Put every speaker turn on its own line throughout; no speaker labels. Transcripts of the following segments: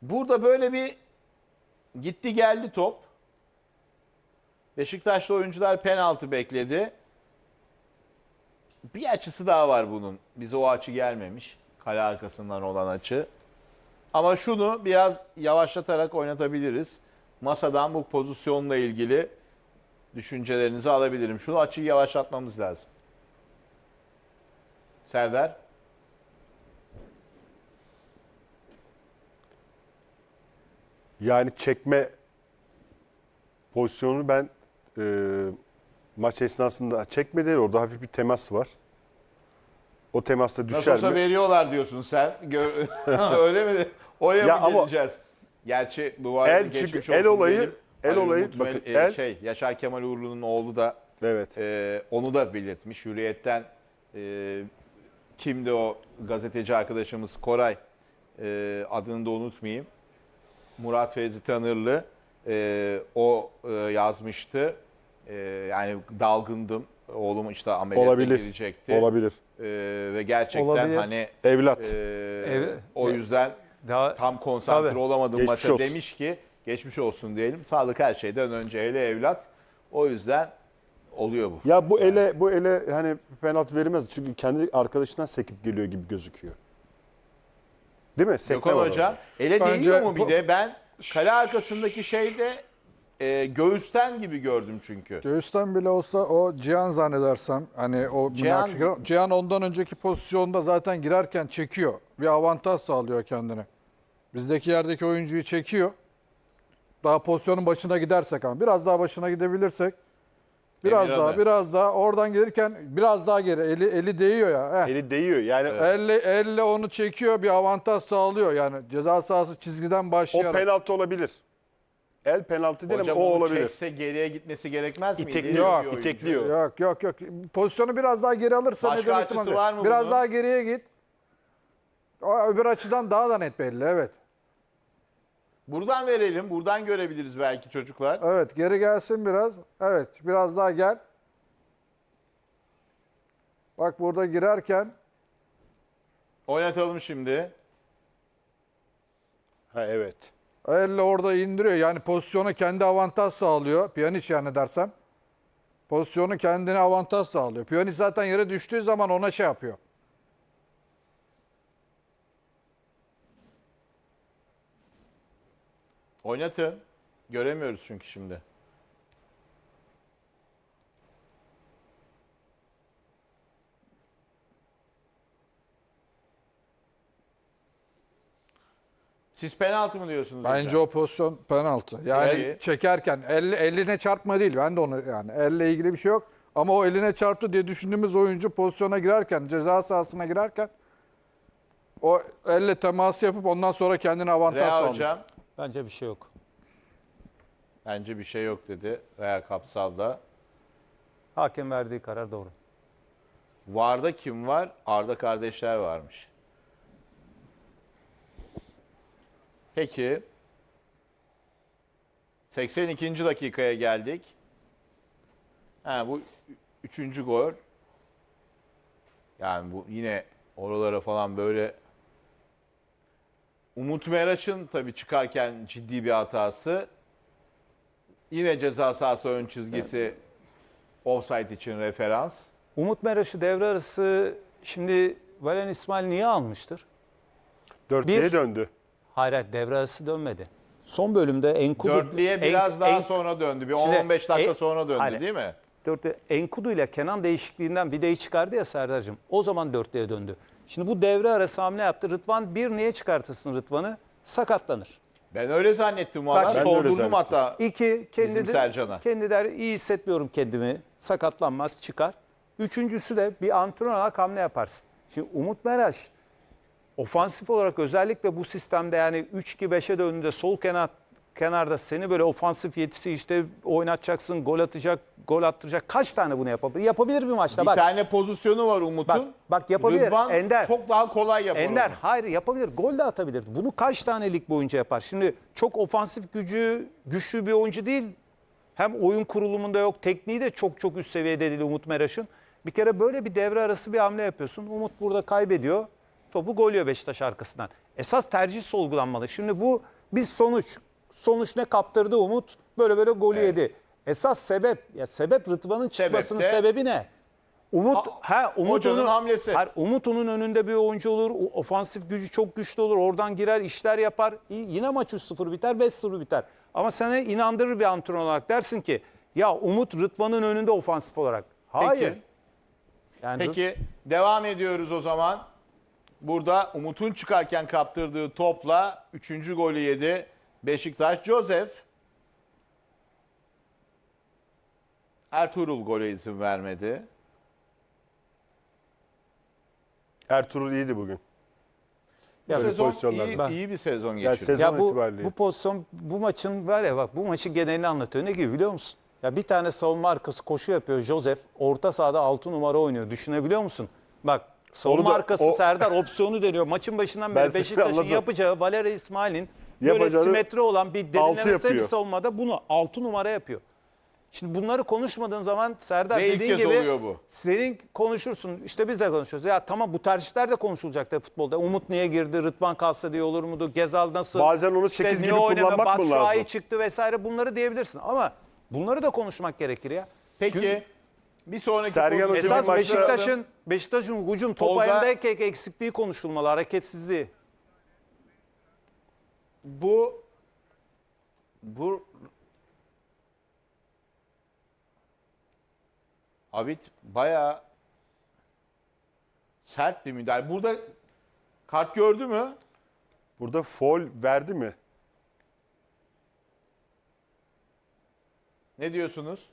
Burada böyle bir gitti geldi top. Beşiktaşlı oyuncular penaltı bekledi. Bir açısı daha var bunun. Bize o açı gelmemiş. Kale arkasından olan açı. Ama şunu biraz yavaşlatarak oynatabiliriz. Masadan bu pozisyonla ilgili düşüncelerinizi alabilirim. Şunu açıyı yavaşlatmamız lazım. Serdar.
Yani çekme pozisyonunu ben maç esnasında çekmedi. Orada hafif bir temas var. O temasta
Nasıl
düşer
olsa
mi?
veriyorlar diyorsun sen. Öyle mi? Oraya
Ya
mı
ama
geleceğiz? Gerçi bu arada
el
geçmiş
çünkü el
olsun
olayı-
diyelim.
el
Ali
olayı,
Umut
bakın, el-
Yaşar Kemal Uğurlu'nun oğlu da
Evet.
onu da belirtmiş. Hürriyet'ten kimdi o gazeteci arkadaşımız Koray, adını da unutmayayım. Murat Fevzi Tanırlı o yazmıştı. Yani dalgındım. Oğlum işte ameliyata
Olabilir.
girecekti.
Olabilir.
Ve gerçekten
Olabilir.
hani
Evlat.
o yüzden
Daha
tam konsantre
Tabii.
olamadım
Geçmiş
maça
olsun.
demiş ki geçmiş olsun diyelim. Sağlık her şeyden önce, hele evlat. O yüzden oluyor bu.
Ya bu ele hani penaltı verilmez. Çünkü kendi arkadaşından sekip geliyor gibi gözüküyor. Değil mi? Sekme
Gökhan
var
Hoca
orada.
ele
Bence
değiyor mu bir de? Ben kale arkasındaki şeyde göğüsten gibi gördüm çünkü.
Göğüsten bile olsa o Cihan zannedersem hani o Cihan ondan önceki pozisyonda zaten girerken çekiyor. Bir avantaj sağlıyor kendine. Bizdeki yerdeki oyuncuyu çekiyor. Daha pozisyonun başına gidersek ama biraz daha başına gidebilirsek
Emirhan'ı.
biraz daha oradan gelirken biraz daha geri eli değiyor ya.
Eli değiyor. Yani
Elle onu çekiyor, bir avantaj sağlıyor yani ceza sahası çizgiden
o
başlayarak.
penaltı olabilir. El penaltı değil
Hocam
ama o
onu
olabilir.
çekse geriye gitmesi gerekmez miydi?
İtekliyor,
İleri bir oyuncu.
itekliyor.
Yok. Pozisyonu biraz daha geri alırsa
Başka
ne demek
açısı
istemem.
var mı
Biraz
bunun?
daha geriye git. O öbür açıdan daha da net belli, evet.
Buradan verelim. Buradan görebiliriz belki çocuklar.
Evet, geri gelsin biraz. Evet, biraz daha gel. Bak burada girerken
Oynatalım şimdi.
Ha evet.
elle orada indiriyor. Yani pozisyona kendi avantaj sağlıyor. Pjanic yani dersem. Pozisyonu kendine avantaj sağlıyor. Pjanic zaten yere düştüğü zaman ona şey yapıyor.
Oynatın. Göremiyoruz çünkü şimdi. Siz penaltı mı diyorsunuz
Bence
hocam?
o pozisyon penaltı. Yani
Peki.
çekerken eline çarpma değil. Ben de onu yani elle ilgili bir şey yok. Ama o eline çarptı diye düşündüğümüz oyuncu pozisyona girerken, ceza sahasına girerken o elle teması yapıp ondan sonra kendine avantaj
Rea
sağlıyor.
hocam
bence bir şey yok.
bence bir şey yok dedi. Rea Kapsal'da.
Hakem verdiği karar doğru.
VAR'da kim var? Arda kardeşler varmış. Peki. 82. dakikaya geldik. Bu üçüncü gol. Yani bu yine oralara falan böyle Umut Meraç'ın tabii çıkarken ciddi bir hatası. Yine ceza sahası ön çizgisi offside için referans.
Umut Meraş'ı devre arası şimdi Valen İsmail niye almıştır?
4'ye
Bir-
döndü.
Hayır, devre arası dönmedi. Son bölümde Enkudu...
Dörtlüye biraz daha sonra döndü. Bir
Şimdi
10-15 dakika
en-
sonra döndü
Hayır.
değil mi?
Enkudu ile Kenan değişikliğinden Vide'yi çıkardı ya Serdar'cığım. O zaman dörtlüye döndü. Şimdi bu devre arası hamle yaptı. Rıdvan niye çıkartırsın Rıdvan'ı? Sakatlanır.
Ben öyle zannettim
Bak,
valla.
ben
de öyle
Sordurdum
zannettim.
hatta.
İki,
Bizim Sercan'a.
kendi der iyi hissetmiyorum kendimi. Sakatlanmaz, çıkar. Üçüncüsü de bir antrenör olarak hamle yaparsın. Şimdi Umut Meraş ofansif olarak özellikle bu sistemde yani 3-2-5'e döndüğünde sol kenarda seni böyle ofansif yetisi işte oynatacaksın, gol atacak, gol attıracak. Kaç tane bunu yapabilir? Yapabilir bir maçta.
Bir
Bak,
tane pozisyonu var Umut'un.
bak yapabilir.
Rıdvan
Ender.
çok daha kolay yapar
Ender
onu.
hayır yapabilir. Gol de atabilir. Bunu kaç tane lig boyunca yapar? Şimdi çok ofansif güçlü bir oyuncu değil. Hem oyun kurulumunda yok. Tekniği de çok üst seviyede değil Umut Meraş'ın. Bir kere böyle bir devre arası bir hamle yapıyorsun. Umut burada kaybediyor. Topu gol yiyor Beşiktaş arkasından. Esas tercih sorgulanmalı. Şimdi bu bir sonuç ne kaptırdı Umut? Böyle golü yedi. Esas sebep Rıdvan'ın çıkmasının
Sebep de-
sebebi ne? Umut
hocanın hamlesi.
Umut onun önünde bir oyuncu olur. Ofansif gücü çok güçlü olur. Oradan girer, işler yapar. Yine maç 3-0 biter, 5-0 biter. Ama sana inandırır bir antrenör olarak dersin ki ya Umut Rıdvan'ın önünde ofansif olarak. Hayır.
Peki.
Yani
Peki devam ediyoruz o zaman. Burada Umut'un çıkarken kaptırdığı topla 3. golü yedi Beşiktaş. Joseph. Ertuğrul gole izin vermedi.
Ertuğrul iyiydi bugün.
Bu
Böyle
sezon
pozisyonlarda.
iyi bir sezon
Yani
geçirdi.
sezon
Ya
itibariyle.
bu pozisyon, bu maçın var ya bak bu maçın genelini anlatıyor. Ne gibi biliyor musun? Ya bir tane savunma arkası koşu yapıyor Joseph. Orta sahada 6 numara oynuyor. Düşünebiliyor musun? Bak savunma
Onu da-
arkası Serdar opsiyonu deniyor. Maçın başından
Ben
beri
seni
Beşiktaş'ın
anladım.
yapacağı Valerian İsmail'in böyle
Yapacağını
simetri olan bir
altı
derinlemesine bir
yapıyor.
savunmada bunu 6 numara yapıyor. Şimdi bunları konuşmadığın zaman Serdar
Ve ilk
dediğin
kez
gibi
oluyor bu.
senin konuşursun. İşte biz de konuşuyoruz. Ya tamam bu tercihler de konuşulacak da futbolda. Umut niye girdi? Rıdvan kalsa diye olur muydu? Gezal nasıl?
Bazen onu
İşte
8
niye
gibi
oynama,
kullanmak mı
Batshuayi
lazım?
çıktı vesaire bunları diyebilirsin. Ama bunları da konuşmak gerekir ya.
Peki bir sonraki
Sergen
pozisyon-
Hoca'nın
Esas
maçta-
Beşiktaş'ın hücum top
Tolga-
ayağındayken eksikliği konuşulmalı, hareketsizliği.
bu Abid bayağı sert bir müdahale. Burada kart gördü mü?
Burada foul verdi mi?
Ne diyorsunuz?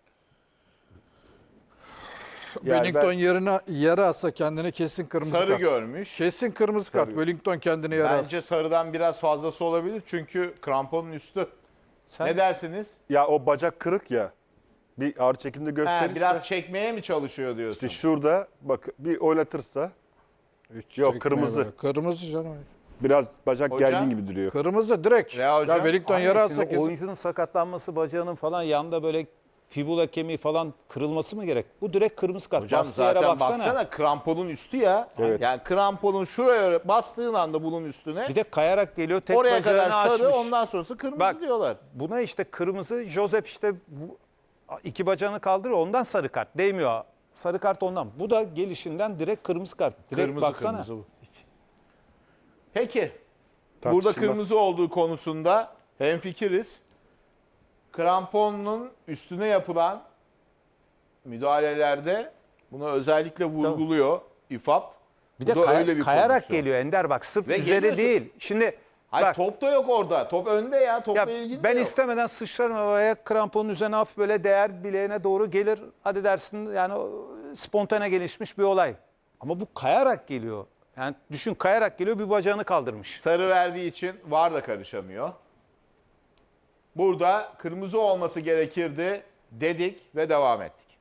Yani
Wellington
ben-
yerine yere atsa kendine kesin kırmızı
Sarı
kart.
görmüş.
Kesin kırmızı kart. Wellington kendini yere atsa.
Bence sarıdan biraz fazlası olabilir çünkü kramponun üstü.
Sen
Ne dersiniz?
Ya o bacak kırık ya. Bir ağır çekimde
Ha,
gösterirse
biraz çekmeye mi çalışıyor diyorsun?
işte şurada bak bir oynatırsa
Hiç
Yok,
çekmeye
kırmızı.
be. Kırmızı canım.
biraz bacak
Hocam?
gergin gibi duruyor.
Kırmızı direkt.
Ya
Ya,
hocam,
Wellington
Aynen,
yere
şimdi
atsa kesin.
oyuncunun sakatlanması, bacağının falan yanında böyle fibula kemiği falan kırılması mı gerek? Bu direkt kırmızı kart.
Hocam
Bastığı yere
zaten
baksana.
baksana kramponun üstü ya.
Evet.
Yani kramponun şuraya bastığın anda bunun üstüne
Bir de kayarak geliyor, tek
oraya
bacağını
kadar sarı
açmış.
ondan sonrası kırmızı
Bak,
diyorlar.
Buna işte kırmızı, Joseph işte bu, iki bacağını kaldırıyor, ondan sarı kart. Değmiyor. Sarı kart ondan. Bu da gelişinden direkt kırmızı kart. Direkt
Kırmızı,
baksana.
kırmızı bu. Peki. Burada
Tartışılmaz.
kırmızı olduğu konusunda hemfikiriz. Kramponun üstüne yapılan müdahalelerde bunu özellikle vurguluyor İFAP.
Bir
Bu
de
da öyle bir
kayarak
pozisyon.
geliyor Ender bak. Sırf
Ve
üzeri
geliyorsun.
değil. Şimdi
Hayır
bak,
top da yok orada. Top önde ya. Topla
ya
ilgili
ben
de yok.
istemeden sıçrarım havaya, kramponun üzerine hafif böyle değer bileğine doğru gelir. Hadi dersin yani spontane gelişmiş bir olay. Ama bu kayarak geliyor. Yani düşün, kayarak geliyor, bir bacağını kaldırmış.
Sarı verdiği için VAR da karışamıyor. Burada kırmızı olması gerekirdi dedik ve devam ettik.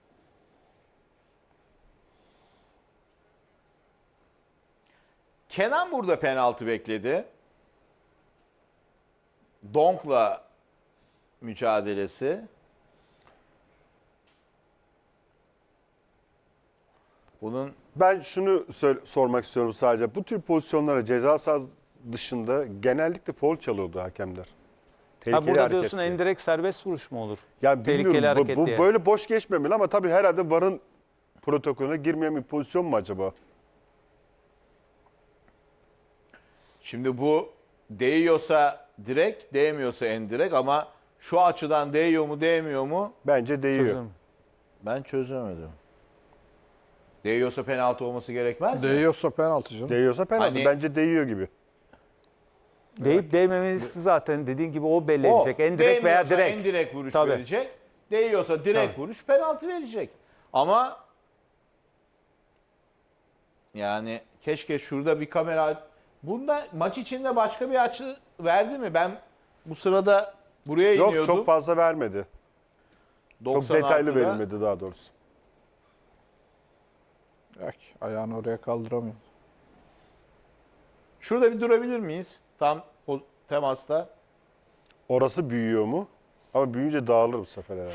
Kenan burada penaltı bekledi. Donk'la mücadelesi. Bunun
Ben şunu sormak istiyorum sadece. Bu tür pozisyonlara ceza sahası dışında genellikle foul çalıyordu hakemler.
Ha,
Tehlikeli
burada
hareket
diyorsun
diye.
endirekt serbest vuruş mu olur?
Ya
tehlikeli
bilmiyorum,
hareket
bu
diye.
böyle boş geçmemeli ama tabii herhalde VAR'ın protokolüne girmeyen bir pozisyon mu acaba?
şimdi bu değiyorsa direkt, değmiyorsa endirekt ama şu açıdan değiyor mu, değmiyor mu?
Bence değiyor.
Çözüm.
Ben çözemedim. Değiyorsa penaltı olması gerekmez mi?
Değiyorsa penaltı canım.
Değiyorsa penaltı.
Hani-
Bence değiyor gibi.
Deyip değmemesi zaten dediğin gibi o belli
O
edecek. Endirekt veya
değmiyorsa
direkt.
endirekt vuruş
Tabii.
verecek. Değiyorsa direkt
Tabii.
vuruş, penaltı verecek. Ama yani keşke şurada bir kamera... Bunda maç içinde başka bir açı verdi mi? Ben bu sırada buraya
Yok,
iniyordum.
çok fazla vermedi. Çok
96'da.
detaylı verilmedi daha doğrusu.
Yok, ayağını oraya kaldıramıyor.
Şurada bir durabilir miyiz? Tam o temasta.
Orası büyüyor mu? Ama büyüyünce dağılır bu sefer herhalde.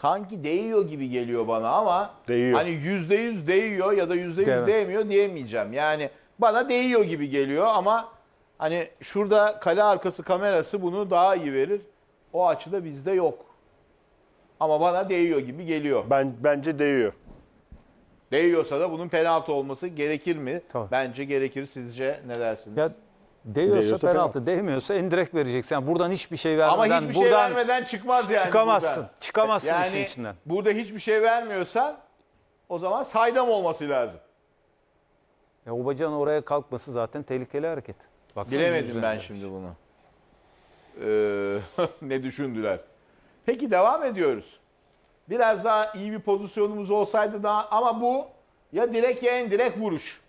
sanki değiyor gibi geliyor bana ama
Değiyor.
hani %100 değiyor ya da %100
Evet.
değmiyor diyemeyeceğim. Yani bana değiyor gibi geliyor ama hani şurada kale arkası kamerası bunu daha iyi verir. O açıda bizde yok. Ama bana değiyor gibi geliyor.
Bence değiyor.
Değiyorsa da bunun penaltı olması gerekir mi?
Tabii.
Bence gerekir. Sizce ne dersiniz?
Ya değiyorsa
Değiyorsa
penaltı, değmiyorsa indirekt vereceksin. Yani buradan hiçbir şey
Ama
vermeden
hiçbir şey
buradan
vermeden çıkmaz yani.
çıkamazsın.
buradan.
Çıkamazsın işin
Yani
içinden.
burada hiçbir şey vermiyorsan o zaman saydam olması lazım.
O bacağın oraya kalkması zaten tehlikeli hareket. Baksana
Bilemedim
yüzüne.
ben şimdi bunu. Ne düşündüler? Peki devam ediyoruz. Biraz daha iyi bir pozisyonumuz olsaydı daha ama bu ya direkt ya en direkt vuruş.